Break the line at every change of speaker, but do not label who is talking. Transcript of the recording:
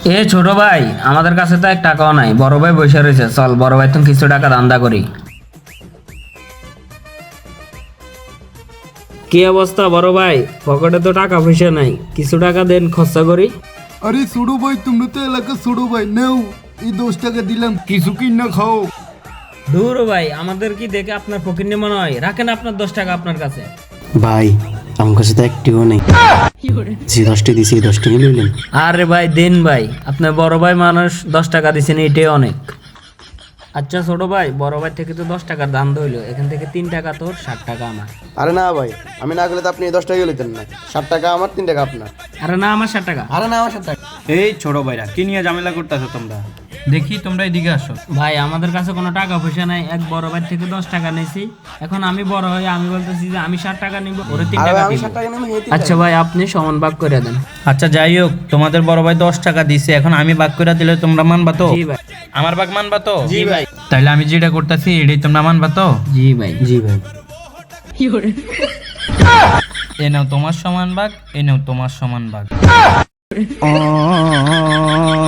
এ ছোট ভাই, আমাদের কাছে তো এক টাকাও নাই, বড় ভাই বসে রয়েছে, চল বড় ভাই তুমি কিছু টাকা দান্দা করি। কি অবস্থা বড় ভাই? পকেটে তো টাকা পয়সা নাই, কিছু টাকা দেন, খরচা করি।
আরে ছোড়ো ভাই, তোমরা তো এলাকা ছোড়ো ভাই, নেও এই 10 টাকা দিলাম, কিছু কিনা খাও।
দূর ভাই, আমাদের কি দেখে আপনার ফকির নে মনে হয়? রাখেন আপনার 10 টাকা আপনার কাছে।
ভাই আমার কাছে তো একটিও নেই, যে 10টি দিছি এই 10টি নিলেন।
আরে ভাই দেন ভাই, আপনার বড় ভাই মানুষ, 10 টাকা দিচ্ছেন, এটাই অনেক। আচ্ছা ছোট ভাই, বড় ভাই থেকে তো 10 টাকার দাম ধরলো, এখান থেকে 3 টাকা তোর, 60 টাকা আমার।
আরে না ভাই, আমি না গেলে তো আপনি এই 10 টাকা লইতেন না। 60 টাকা আমার, 3 টাকা আপনার।
আরে না, আমার 60 টাকা।
আরে না, আমার 60 টাকা।
এই ছোট ভাইরা কি নিয়ে ঝামেলা করতেছো তোমরা? দেখি তোমরা এদিকে আসো।
ভাই আমাদের কাছে কোনো টাকা পয়সা নাই, এক বড় ভাই থেকে 10 টাকা নিয়েছি। এখন আমি বড় হয়ে আমি বলতেছি যে আমি 60 টাকা নিব, ওরে 3 টাকা
আমি
দিব।
60 টাকা নেব,
আচ্ছা ভাই, আপনি সমান ভাগ করে দেন।
আচ্ছা যাই হোক, তোমাদের বড় ভাই 10 টাকা দিছে, এখন আমি ভাগ করে দিলে তোমরা মানবা তো?
জি ভাই।
আমার ভাগ মানবা তো?
জি ভাই।
তাইলে আমি যেটা করতেছি এটাই তোমরা মানবা তো?
জি ভাই।
জি ভাই।
এ নাও তোমার সমান ভাগ, এ নাও তোমার সমান ভাগ।